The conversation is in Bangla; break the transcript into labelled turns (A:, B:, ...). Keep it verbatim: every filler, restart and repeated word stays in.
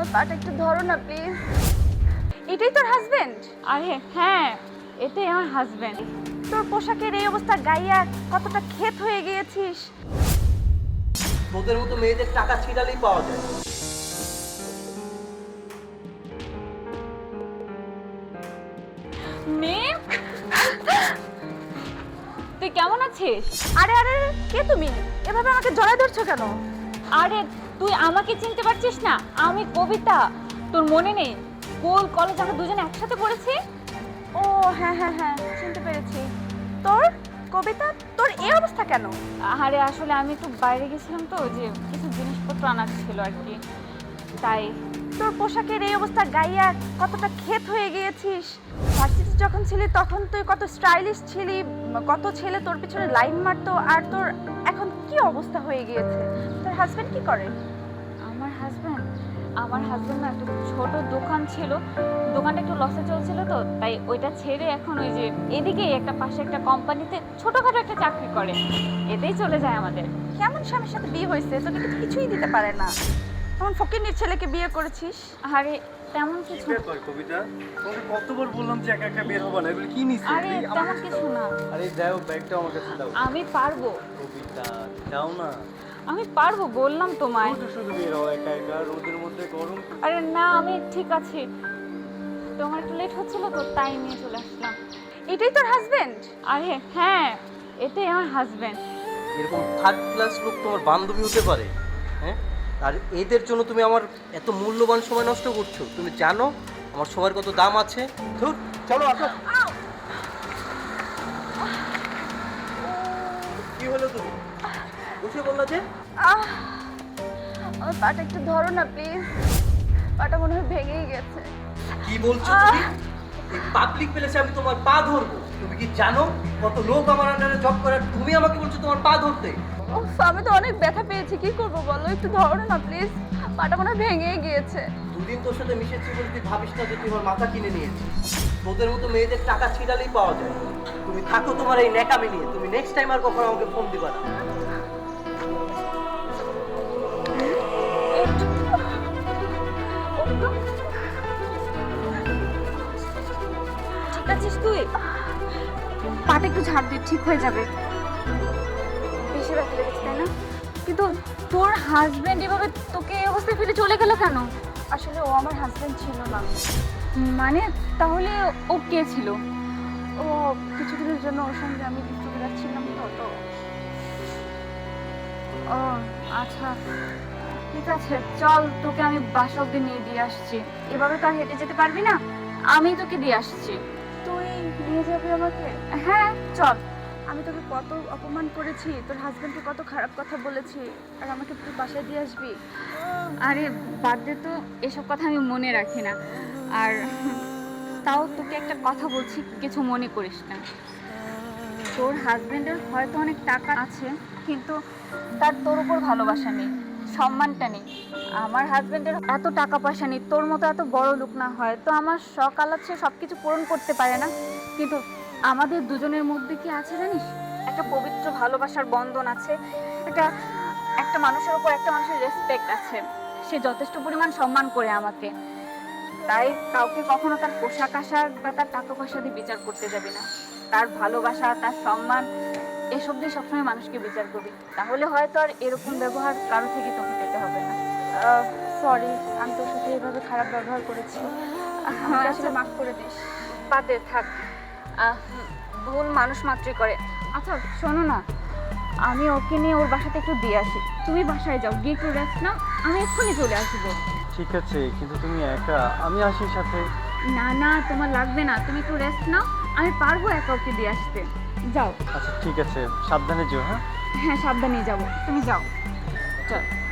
A: আমার পাটা একটু ধরো না প্লিজ। এটাই তোর হাজবেন্ড?
B: আরে হ্যাঁ, এটাই আমার হাজবেন্ড।
A: তোর পোশাকের এই অবস্থা গাইয়া কতটা ক্ষেত হয়ে গিয়েছিস।
C: তোদের মতো মেয়েদের টাকা ছিড়ালেই পাওয়া যায়।
B: মেয়ে, তুই কেমন আছিস?
A: আরে আরে কে তুমি? এভাবে আমাকে জড়ায় ধরছো কেন?
B: আরে তুই আমাকে চিনতে পারছিস না? আমি কবিতা। তোর মনে নেই স্কুল কলেজ আমরা দুজনে একসাথে পড়েছি?
A: ও হ্যাঁ হ্যাঁ হ্যাঁ চিনতে পেরেছি। তোর কবিতা, তোর এই অবস্থা কেন?
B: আরে আসলে আমি একটু বাইরে গেছিলাম তো, যে কিছু জিনিসপত্র আনার ছিল আর কি, তাই।
A: তোর পোশাকের এই অবস্থা গাইয়া কতটা ক্ষেত হয়ে গিয়েছিস। ভার্সিটি যখন ছিলি তখন তুই কত স্টাইলিশ ছিলি, কত ছেলে তোর পিছনে লাইন মারতো, আর তোর এখন কি অবস্থা হয়ে গিয়েছে। তোর হাজবেন্ড কি করে?
B: আমার হাজব্যান্ড আমার হাজব্যান্ড না একটা ছোট দোকান ছিল, দোকানটা একটু লসে চলছিল তো, তাই ওইটা ছেড়ে এখন ওই যে এদিকেই একটা পাশে একটা কোম্পানিতে ছোটখাটো একটা চাকরি করে, এতেই চলে যায় আমাদের।
A: কেমন স্বামীর সাথে বিয়ে হয়েছে, তোকে তো কিছুই দিতে পারে না। তখন ফকিন্নির ছেলেকে বিয়ে করেছিস।
B: আরে তেমন কিছু
D: কি ব্যাপার কবিতা? তোমাকে কতবার বললাম যে একা একা বের হবা না, এগুলো কি নিছিস?
B: আরে তেমন কিছু না,
D: আরে যাও, ব্যাগটা আমার কাছে দাও।
B: আমি পারবো
D: কবিতা যাও না,
B: আমি পারবো বললাম তোমায়।
D: শুধু শুধু বের হও একা একা রোদের মধ্যে, গরম।
B: আরে না, আমি ঠিক আছি, তোমার একটু লেট হচ্ছিল তো তাই নিয়ে চলে আসলাম।
A: এটাই তোর হাজবেন্ড?
B: আরে হ্যাঁ, এটাই আমার হাজবেন্ড।
C: এরকম থার্ড ক্লাস লোক তোমার বান্ধবী হতে পারে? হ্যাঁ, আর এদের জন্য তুমি আমার এত মূল্যবান সময় নষ্ট করছো। তুমি জানো আমার সময়ের কত দাম আছে? ধুর, চলো আসো। কি হলো তুমি বসে বললা যে?
A: আহ আমার পাটা একটু ধরো না প্লিজ, পাটা মনে হয় ভেঙেই গেছে।
C: কি বলছো তুমি? এই পাবলিক প্লেসে আমি তোমার পা ধরবো? তুমি কি জানো কত লোক আমার আন্ডারে জব করে, আর তুমি আমাকে বলছো তোমার পা ধরতে?
A: উফ, আমি তো অনেক ব্যথা পেয়েছি, কি করবো বলো, একটু ধরো না প্লিজ, পাটা মনে হয় ভেঙেই গিয়েছে।
C: দুদিন তোর সাথে মিশেছি বলে তুই ভাবিস না যে তুই আমার মাথা কিনে নিয়েছিস। তোদের মতো মেয়েদের টাকা ছিড়ালেই পাওয়া যায়। তুমি থাকো তোমার এই ন্যাকামি নিয়ে। তুমি নেক্সট টাইম আর কখনো আমাকে ফোন দিবা না।
B: একটু ঠিক আছিস তুই?
A: পাটা একটু ঝাড় দিয়ে ঠিক হয়ে যাবে। বেশি ব্যথা লেগেছে তাই না?
B: কিন্তু তোর হাজবেন্ড এভাবে তোকে এই অবস্থায় ফেলে চলে গেল কেন?
A: আসলে ও আমার হাজবেন্ড ছিল না।
B: মানে তাহলে ও কে ছিল?
A: ও কিছুদিনের জন্য ওর সঙ্গে আমি ঘুরতে বেড়াচ্ছিলাম তো তো
B: ও আচ্ছা, ঠিক আছে, চল তোকে আমি বাসা অব্দি নিয়ে দিয়ে আসছি। এভাবে তো আর হেঁটে যেতে পারবি না, আমি তোকে দিয়ে আসছি।
A: তুই নিয়ে যাবি আমাকে?
B: হ্যাঁ চল।
A: আমি তোকে কত অপমান করেছি, তোর হাজবেন্ডকে কত খারাপ কথা বলেছি, আর আমাকে তুই বাসায় দিয়ে আসবি?
B: আরে বাদ দে তো, এসব কথা আমি মনে রাখি না। আর তাও তোকে একটা কথা বলছি, কিছু মনে করিস না। তোর হাজবেন্ডের হয়তো অনেক টাকা আছে, কিন্তু তার তোর উপর ভালোবাসা নেই, সম্মানটা নেই। আমার হাজবেন্ডের এত টাকা পয়সা নেই, তোর মতো এত বড় লোক না, হয় তো আমার শখ আলাদা সব কিছু পূরণ করতে পারে না, কিন্তু আমাদের দুজনের মধ্যে কি আছে জানিস? একটা পবিত্র ভালোবাসার বন্ধন আছে, একটা একটা মানুষের উপর একটা মানুষের রেসপেক্ট আছে। সে যথেষ্ট পরিমাণ সম্মান করে আমাকে, তাই কাউকে কখনো তার পোশাক আশাক বা তার টাকা পয়সা দিয়ে বিচার করতে যাবি না। তার ভালোবাসা, তার সম্মান, এসব দিয়ে সবসময় মানুষকে বিচার করবি, তাহলে হয়তো আর এরকম ব্যবহার কারো থেকে তোকে পেতে হবে না।
A: সরি, আমি তোর সাথে এভাবে খারাপ ব্যবহার করেছি, আমাকে আসলে মাফ করে দিস।
B: বাদে থাক, আহ, ভুল মানুষ মাত্রই করে। আচ্ছা শোনো না, আমি ওকে নিয়ে ওর বাসাতে একটু দিয়ে আসি, তুমি বাসায় যাও, গিয়ে একটু রেস্ট নাও, আমি এক্ষুনি চলে আসবো।
D: ঠিক আছে, কিন্তু তুমি একা, আমি আসি সাথে।
B: না না, তোমার লাগবে না, তুমি একটু রেস্ট নাও, আমি পারবো একা ওকে দিয়ে আসতে। যাও।
D: আচ্ছা ঠিক আছে, সাবধানে যেও। হ্যাঁ
B: হ্যাঁ সাবধানে যাবো, তুমি যাও, চল।